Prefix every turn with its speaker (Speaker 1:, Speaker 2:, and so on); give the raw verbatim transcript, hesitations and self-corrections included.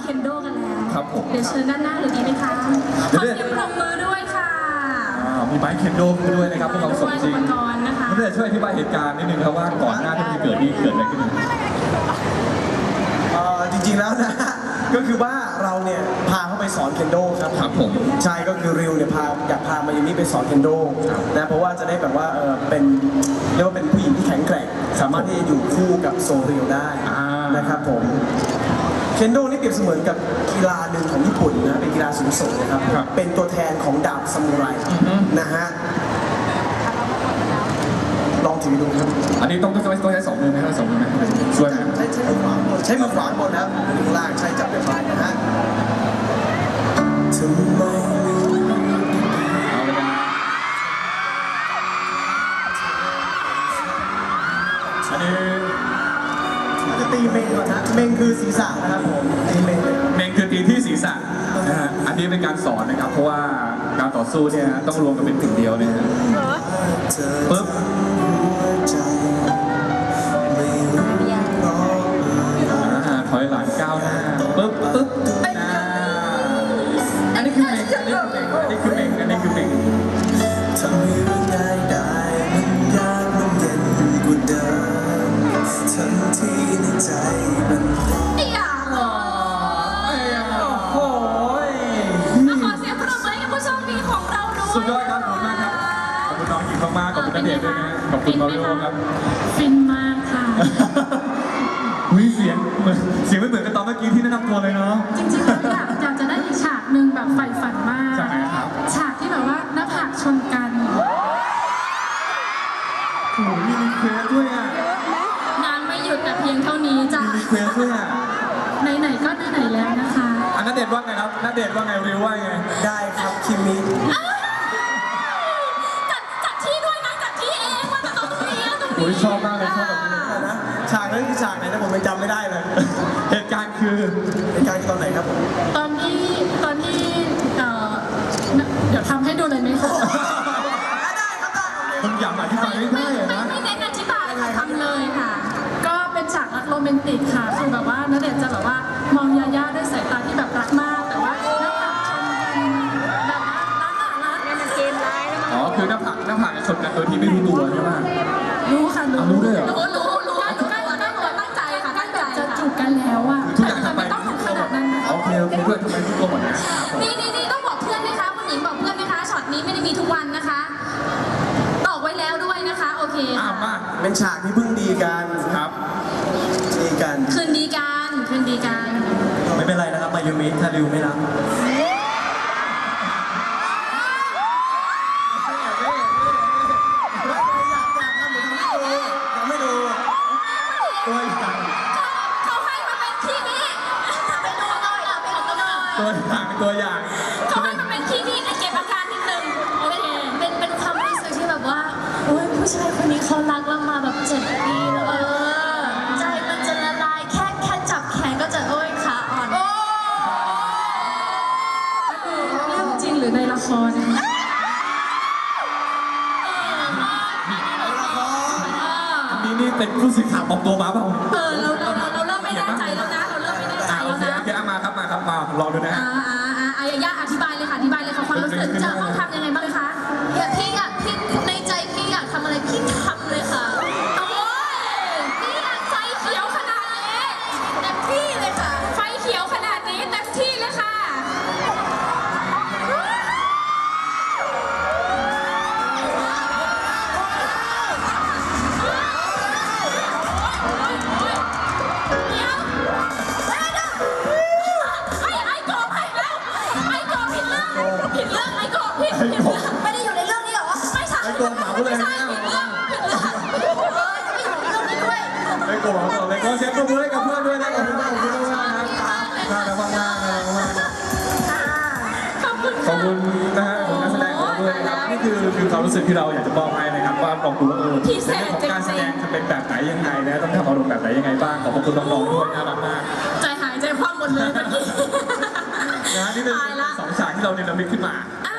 Speaker 1: เคนโดกันแล้ว
Speaker 2: ครับผม
Speaker 1: เดี๋ยวเชิญด้านหน้าเลยดีไหมคะขอเสียงปรบมือด้วยค่ะ
Speaker 2: มีไม้เคนโดด้วยนะครับพวกเราสมจริง
Speaker 1: อุปกรณ์นะคะ
Speaker 2: ไม่ได้ช่วยอธิบายเหตุการณ์นิดนึงครับว่าก่อนหน้าที่จะเกิดนี่เกิดอะไรขึ้น
Speaker 3: เอ่อจริงๆแล้วนะ ก็คือว่าเราเนี่ยพาเขาไปสอนเคนโดครับ
Speaker 2: ครับผม
Speaker 3: ใช่ก็คือริวเนี่ยพาอยากพามายูมิไปสอนเคนโดนะเพราะว่าจะได้แบบว่าเออเป็นเรียกว่าเป็นผู้หญิงที่แข็งแกร่งสามารถที่จะอยู่คู่กับโซริวได้นะครับผมเคนโดนี่เปรียบเสมือนกับกีฬาหนึ่งของญี่ปุ่นนะเป็นกีฬาสูงส่งนะครับเป็นตัวแทนของดาบซามูไรนะฮะลองถือดูครับ
Speaker 2: อันนี้ต้องต้องต้องใช้สองมือไหมครับสองมือไหมช่วยไหม
Speaker 3: ใช้ใช้มือขวาบนใช้มือขวาบนนะครับมือข้างล่างใช้จับไปฝ่ายนะฮะทำไม
Speaker 2: เอาเลยนะอันนี้
Speaker 3: เราจะตีเมงก่อนนะเมงคือศีรษะนะครับผมตีเมงเลย
Speaker 2: เมงคือตีที่ศีรษะนะฮะอันนี้เป็นการสอนนะครับเพราะว่าการต่อสู้เนี่ยต้องรวมกันเป็นถึงเดียวนะฮะปึ๊บอ่าถอยหลังก้าวหน้าปึ๊บปึ๊บอ่าอันนี้คือเมงอันนี้คือเมงอันนี้คือเมงอันนี้คือเมง
Speaker 3: ทำให้เรื่องง่ายได้มันยากมันเย็นกว่าเดิมทันทีในใจมัน
Speaker 1: ไอ้ยาเหรอ
Speaker 2: ไอ้ยาโอ้ย
Speaker 1: มาขอเสียงปรบมือให้กับผู้โชคดีของเราด้วย
Speaker 2: สุดยอดครับขอบคุณมากครับขอบคุณน้องหญิงมากๆขอบคุณณเดชน์ด้วยนะขอบคุณมาริโอครับ
Speaker 1: ฟินมากค่ะ
Speaker 2: วิเสียงเหมือนเสียงไม่เหมือนกับตอนเมื่อกี้ที่แนะนำตัวเลยเนาะ
Speaker 1: จริงๆแล้วอยากอยากจะได้อีกฉากหนึ่งแบบใฝ่ฝันมาก
Speaker 2: ฉากไหนครับ
Speaker 1: ฉากที่แบบว่าหน้าผากชนกัน
Speaker 2: โอ้โหมีรีเควสด้วยอ่ะ
Speaker 1: งานไม่หยุดแต่เพียงเท่านี้จ้ะ
Speaker 2: มีรีเควสด้วยอ่ะ
Speaker 1: ไหนๆก็ไหนๆแล้วนะคะ
Speaker 2: อันนัเดชน์ว่าไงครับนัเดชน์ว่าไงริวว่าไง
Speaker 3: ได้ครับคิมิ
Speaker 1: จัดจัดที่ด้วยนะจัดที่เองว่าจะตรงนี้ตรง
Speaker 2: โอ้ย
Speaker 1: นี้
Speaker 2: ชอบมากเลยชอบแบบนี้เลย
Speaker 3: นะฉากนั้นคือฉากไหนนะผมยังจำไม่ได้เลย
Speaker 2: เหตุการณ์คือ
Speaker 3: ในการคือตอนไหนครับผม
Speaker 1: ตอนที่ตอนที่เอ่อเดี๋ยวทำให้ดูเลยไหมคะ
Speaker 3: ได้ครับได้
Speaker 2: ผมอยากอธิบายไม่ได้อะ
Speaker 1: ไม่
Speaker 2: นะ
Speaker 1: ไม่เน้นอธิบายค่ะทำเลยค่ะ ก็เป็นฉากรักโรแมนติกค่ะคือแบบว่าณเดชน์จะแบบว่ามองยาย่าด้วยสายตาที่แบบรักมาก แต่ว่าหน้าผากชนกันแบบว่ารักอะรักเนี่ยมันเกมร้ายแล้วมัน
Speaker 2: อ๋อคือหน้าผากหน้าผากจะชนกันโดยที่ไม่รู้ตัวใช่ไหม
Speaker 1: รู้ค่ะรู้
Speaker 2: อ่ะรู้ด้วยเหรอ
Speaker 1: รู้รู้รู้รู้ใกล้ใกล้ตัวตั้งใจค่ะตั้งใจจะจูบกันแล้วอ่ะ
Speaker 2: ทุกอย่าง
Speaker 1: แต่
Speaker 2: ทำไป
Speaker 1: ไม่ต้องถึงขนาดนั้นนะ
Speaker 2: โอเคโอเคเพื่อนทำไมรู้ตัวหมดนะ
Speaker 1: นี่นี่นี่ต้องบอกเพื่อนไหมคะคุณหญิงบอกเพื่อนไหมคะช็อตนี้ไม่ได้มีทุกวันนะคะตอกไว้แล้วด้วยนะคะโอเค
Speaker 2: อ้าวมา
Speaker 3: เป็นฉากที่เพิ่งดีกัน
Speaker 2: ครับ
Speaker 3: ดีกัน
Speaker 1: คืนดีกันคืนดีกัน
Speaker 3: ไม่เป็นไรนะครับมายูมิถ้าริวไม่รับไม่ดูตัวอย่าง
Speaker 1: เขาให้มาเป็นที่นี่ไปดูหน่อยไปดูหน่อย
Speaker 2: ตัวอย่างตัวอย่าง
Speaker 1: เขาให้มาเป็นที่นี่เก็บอาการนิดนึงโอเค
Speaker 4: เป็นเป็นความรู้สึกที่แบบว่าโอ้ยผู้ชายคนนี้เขารักเรามาแบบเจ็ดปีแล้วเออใจมันจะละลายแค่แค่จับแขนก็จะโอ้ยขาอ่อน
Speaker 1: โอ้เรื่องจริงหรือในละครนะคะ
Speaker 2: อันนี้นี่เป็นผู้สื่อข่าวปลอมตัวมาเปล่า
Speaker 1: เออเราเราเราเราเริ่มไม่แน่ใจแล้วนะเราเริ่มไม่แน่ใจ
Speaker 2: อ่าโอ
Speaker 1: แล้ว
Speaker 2: เค
Speaker 1: นะ
Speaker 2: โอเคเอามาครับมาครับมาลองดูนะ
Speaker 1: อ่าอ่าอ่าอายาอธิบายเลยค่ะอธิบายเลยค่ะความรู้สึกจะต้องทำยังไงบ้างคะ
Speaker 4: อยากพี่อยากพี่ในใจพี่อยากทำอะไรพี่ทำเลยค่ะ
Speaker 1: โอ้ยนี่ไฟเขียวขนาดนี้
Speaker 4: เต็มที่เลยค่ะ
Speaker 1: ไฟเขียวขนาดนี้เต็มที่เลยค่ะเดี๋ยวไอ้ไอ้โกบไปแล้วไอ้โกบผิดเรื่องผิดเรื่องไอ้โกบผิดผิดเรื่อง
Speaker 4: ไม่ได้อยู่ในเรื่องนี้เหรอ
Speaker 1: ไม่ใช่
Speaker 2: ไอ้โกบเหมาเลย
Speaker 1: ไม่
Speaker 2: นะ
Speaker 1: ใช่ผิดเรื่องผิดเรื่อง
Speaker 4: เออจะไม่อยู่ในเรื่องนี้ด้วย
Speaker 2: ไม่โกรธไม่โกรธไม่โกรธเช็คตัวมือให้กับเพื่อนด้วยนะขอบคุณมากขอบคุณมากนะครับน่ารักมากน่ารักมาก
Speaker 1: ขอบคุณ
Speaker 2: ขอบคุณนะฮะของนักแสดงของเราด้วยนะครับนี่คือคือความรู้สึกที่เราอยากจะมอบให้นะครับว่าลองดูว่าเออในเรื่องของการแสดงจะเป็นแบบไหนยังไงนะต้องทำอารมณ์แบบไหนยังไงบ้างขอบคุณน้องๆด้วยน่ารักมาก
Speaker 1: ใจหายใจคว่ำหมดเลยเมื่อกี้
Speaker 2: นะนี่เป็น
Speaker 1: ตายละ
Speaker 2: สองฉากที่เราเนรมิตขึ้นมา
Speaker 1: อ่ะ